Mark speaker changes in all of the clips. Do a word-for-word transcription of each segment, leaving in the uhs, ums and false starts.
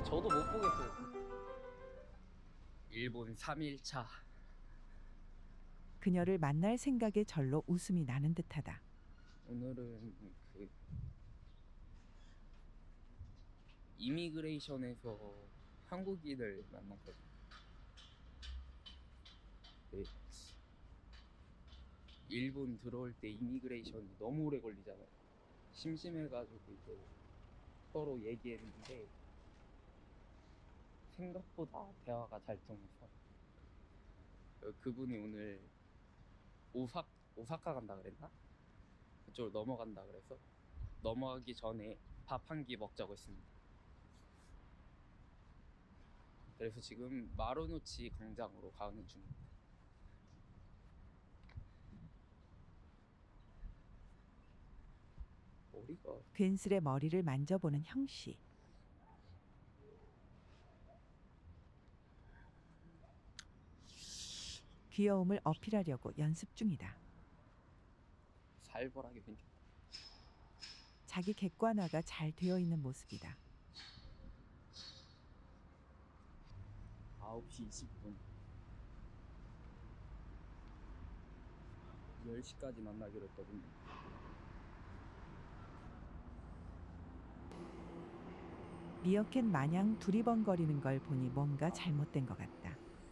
Speaker 1: 저도 못 보겠어요. 일본 삼 일 차.
Speaker 2: 그녀를 만날 생각에 절로 웃음이 나는 듯하다.
Speaker 1: 오늘은 그 이미그레이션에서 한국인을 만났거든요. 네. 일본 들어올 때 이미그레이션이 너무 오래 걸리잖아요. 심심해가지고 이제 서로 얘기했는데 생각보다 대화가 잘 통해서 그분이 오늘 오사, 오사카 간다 그랬나? 그쪽으로 넘어간다 그래서 넘어가기 전에 밥 한 끼 먹자고 했습니다. 그래서 지금 마루노치 광장으로 가는 중입니다. 머리가
Speaker 2: 괜스레 머리를 만져보는 형씨. 귀여움을 어필하려고 연습 중이다.
Speaker 1: 살벌하게 생겼다.
Speaker 2: 자기 객관화가 잘 되어 있는 모습이다.
Speaker 1: 아홉 시 이십 분 열 시까지 만나기로 했거든요.
Speaker 2: 미어캣 마냥 두리번거리는 걸 보니 뭔가 잘못된 것 같다.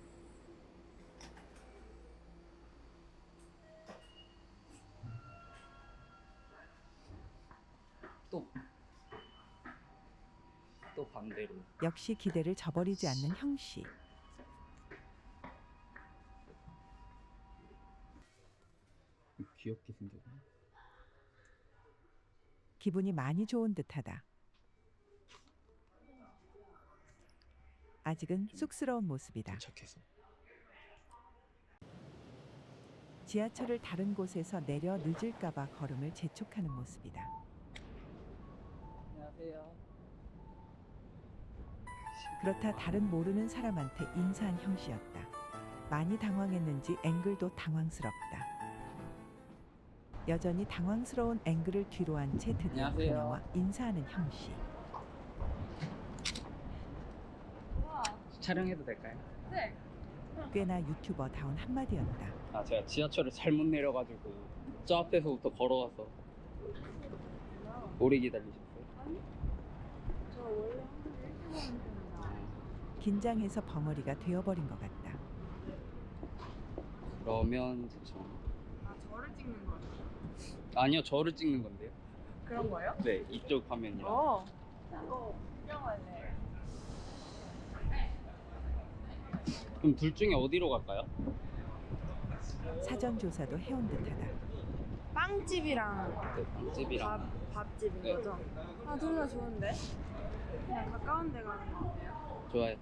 Speaker 1: 또, 또 반대로.
Speaker 2: 역시 기대를 저버리지 않는 형씨.
Speaker 1: 귀엽게 생겼네.
Speaker 2: 기분이 많이 좋은 듯하다. 아직은 쑥스러운 모습이다.
Speaker 1: 도착해서
Speaker 2: 지하철을 다른 곳에서 내려 늦을까봐 걸음을 재촉하는 모습이다.
Speaker 1: 안녕하세요.
Speaker 2: 그렇다 다른 모르는 사람한테 인사한 형씨였다. 많이 당황했는지 앵글도 당황스럽다. 여전히 당황스러운 앵글을 뒤로 한 채 드디어
Speaker 1: 안녕하세요.
Speaker 2: 그녀와 인사하는 형씨.
Speaker 1: 촬영해도 될까요?
Speaker 3: 네.
Speaker 2: 꽤나 유튜버다운 한마디였다.
Speaker 1: 아, 제가 지하철을 잘못 내려가지고 저 앞에서부터 걸어가서 오래 기다리셨어요?
Speaker 3: 아니? 저 원래 항상 일찍 오는 편이라.
Speaker 2: 긴장해서 벙어리가 되어버린 것 같다.
Speaker 1: 그러면 대충.
Speaker 3: 아, 저를 찍는 거예요?
Speaker 1: 아니요, 저를 찍는 건데요.
Speaker 3: 그런 거예요?
Speaker 1: 네, 이쪽 화면이랑.
Speaker 3: 어. 이거 구경할래.
Speaker 1: 그럼 둘 중에 어디로 갈까요?
Speaker 2: 사전 조사도 해온 듯하다.
Speaker 3: 빵집이랑
Speaker 1: 네, 빵집이랑.
Speaker 3: 밥, 밥집인
Speaker 1: 네.
Speaker 3: 거죠? 아, 둘 다 좋은데? 그냥 가까운 데 가는 거 어때요?
Speaker 1: 좋아요.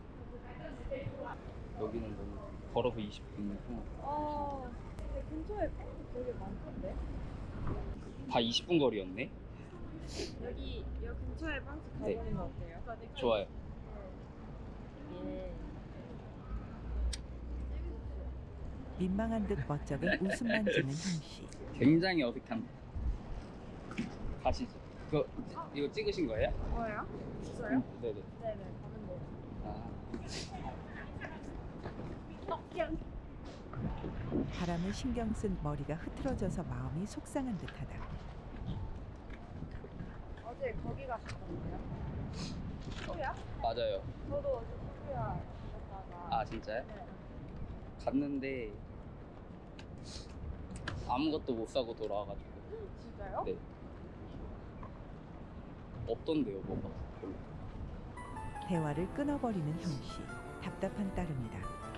Speaker 1: 여기는 너무 걸어서 이십 분이고
Speaker 3: 어. 근데 근처에 빵집 되게 많던데?
Speaker 1: 다 이십 분 거리였네?
Speaker 3: 여기, 여기 근처에 빵집
Speaker 1: 네.
Speaker 3: 가보는 거 어때요?
Speaker 1: 좋아요.
Speaker 3: 예.
Speaker 2: 민망한 듯 멋쩍은 웃음만 짓는 형씨.
Speaker 1: 굉장히 어색한데. 가시죠. 그거, 이거 찍으신 거예요?
Speaker 3: 뭐예요? 진짜요?
Speaker 1: 네네.
Speaker 3: 네네, 가면 돼요.
Speaker 1: 아,
Speaker 2: 바람을 신경 쓴 머리가 흐트러져서 마음이 속상한 듯하다.
Speaker 3: 어제 거기 가셨던데요? 소야?
Speaker 1: 맞아요.
Speaker 3: 저도 어제 소야 갔다가.
Speaker 1: 아, 진짜요?
Speaker 3: 네.
Speaker 1: 갔는데 아무것도 못 사고 돌아와가지고.
Speaker 3: 진짜요?
Speaker 1: 네. 없던데요, 뭐가. 별로.
Speaker 2: 대화를 끊어버리는 형씨. 답답한 따름이다.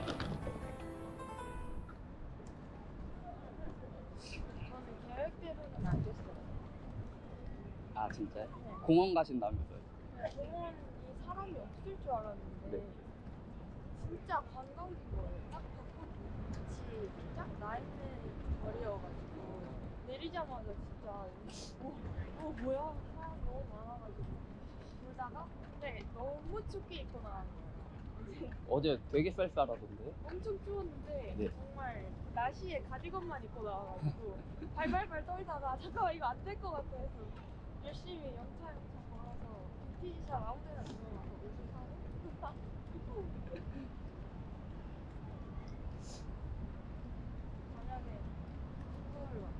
Speaker 3: 저는 계획대로는 안 됐어요.
Speaker 1: 아, 진짜요?
Speaker 3: 네.
Speaker 1: 공원 가신다면서요?
Speaker 3: 공원이 사람이 없을 줄 알았는데
Speaker 1: 네.
Speaker 3: 진짜 관광지 거예요. 딱 벚꽃 같이 쫙 나있는 거리여가지고 내리자마자 진짜 어, 어 뭐야 사람 너무 많아가지고 돌다가 근데 너무 춥게 입고 나간 거예요.
Speaker 1: 어제 되게 쌀쌀하던데?
Speaker 3: 엄청 추웠는데
Speaker 1: 네.
Speaker 3: 정말 나시에 가디건만 입고 나와가지고 발발발 떨다가 잠깐만 이거 안 될 것 같아 해서 열심히 영차 영차 걸어서 빈티지샵 아무 데나 들어가서 옷을 사고 만약에 서울 와.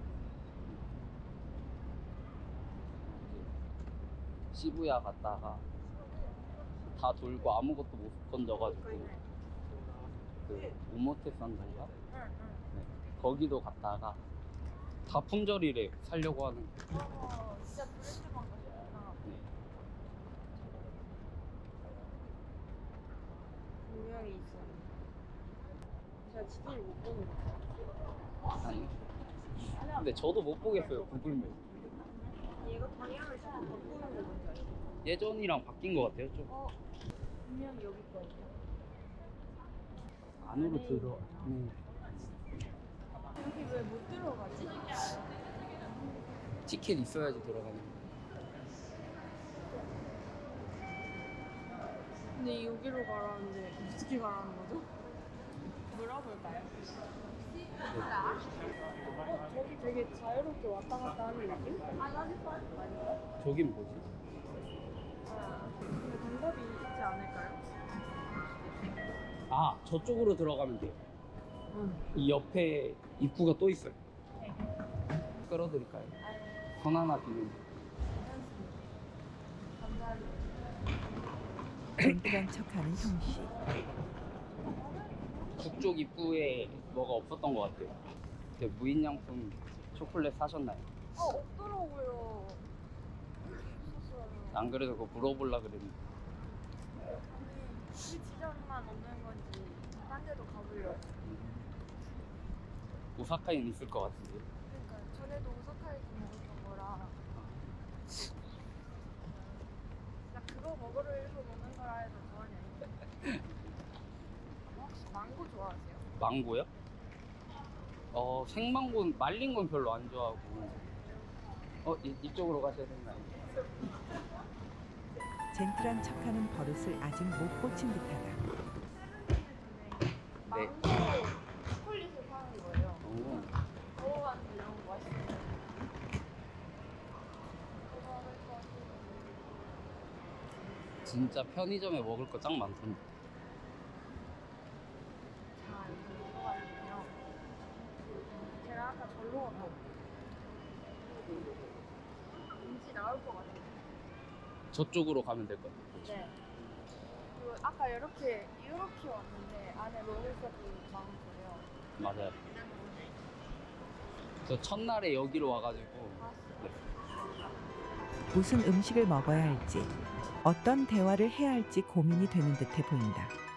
Speaker 1: 시부야 갔다가 다 돌고 아무것도 못 건져가지고 그 우모테산도인가?
Speaker 3: 응, 응.
Speaker 1: 네. 거기도 갔다가 다 품절이래 살려고 하는.
Speaker 3: 어, 진짜 브랜드만 가셨구나.
Speaker 1: 네.
Speaker 3: 분명히 있어요. 제가 지도를 못 보는 거.
Speaker 1: 아니. 근데 저도 못 보겠어요 구글맵.
Speaker 3: 얘가 방향을 자꾸 바꾸는 거 뭔지 알죠?
Speaker 1: 예전이랑 바뀐 것 같아요 좀.
Speaker 3: 어, 분명히 여기 거예요.
Speaker 1: 안으로
Speaker 3: 안에
Speaker 1: 들어. 음.
Speaker 3: 여기 왜 못 들어가지?
Speaker 1: 티켓 있어야지 들어가는 거.
Speaker 3: 근데 여기로 가라는데 어떻게 가라는 거죠? 물어볼까요? 어, 저기 되게 자유롭게 왔다 갔다 하는 느낌? 아닌가?
Speaker 1: 저긴 뭐지?
Speaker 3: 아, 근데 방법이 있지 않을까요?
Speaker 1: 아 저쪽으로 들어가면 돼요.
Speaker 3: 응.
Speaker 1: 이 옆에 입구가 또 있어요. 끌어드릴까요?
Speaker 3: 아유,
Speaker 1: 손 하나 비는.
Speaker 3: 괜찮습니다. 감사합니다.
Speaker 2: 젠틀한 척하는 형씨.
Speaker 1: 북쪽 입구에 뭐가 없었던 것 같아요. 그 무인양품 초콜릿 사셨나요?
Speaker 3: 어, 없더라고요. 없었어요.
Speaker 1: 안 그래도 그거 물어보려 그랬는데.
Speaker 3: 우리 지점만 없는 건지 딴 데도 가보려고.
Speaker 1: 오사카에는 있을 것 같은데.
Speaker 3: 그러니까 전에도 오사카에서 먹었던 거라. 나 그거 먹으러 일부 먹는 거라 해도 전혀 아닌데. 혹시 망고 좋아하세요?
Speaker 1: 망고요? 어 생망고는 말린 건 별로 안 좋아하고. 어 이, 이쪽으로 가셔야 되나요?
Speaker 2: 젠틀한 척하는 버릇을 아직 못 고친 듯하다.
Speaker 1: 네.
Speaker 3: 망고 초콜릿을 파는 거예요.
Speaker 1: 오,
Speaker 3: 먹어봤는데 너무 맛있어요. 그거 먹을 거 같아요.
Speaker 1: 진짜 편의점에 먹을 거 짱 많던데.
Speaker 3: 자, 여기 들어가는데요. 제가 아까 절로 갔다 왠지 나올 것 같아요.
Speaker 1: 저쪽으로 가면 될 것 같아요.
Speaker 3: 네. 그리고 아까 이렇게 이렇게 왔는데 안에 먹을 것도 많고요.
Speaker 1: 맞아요. 저 첫날에 여기로 와가지고 네.
Speaker 2: 무슨 음식을 먹어야 할지, 어떤 대화를 해야 할지 고민이 되는 듯해 보인다.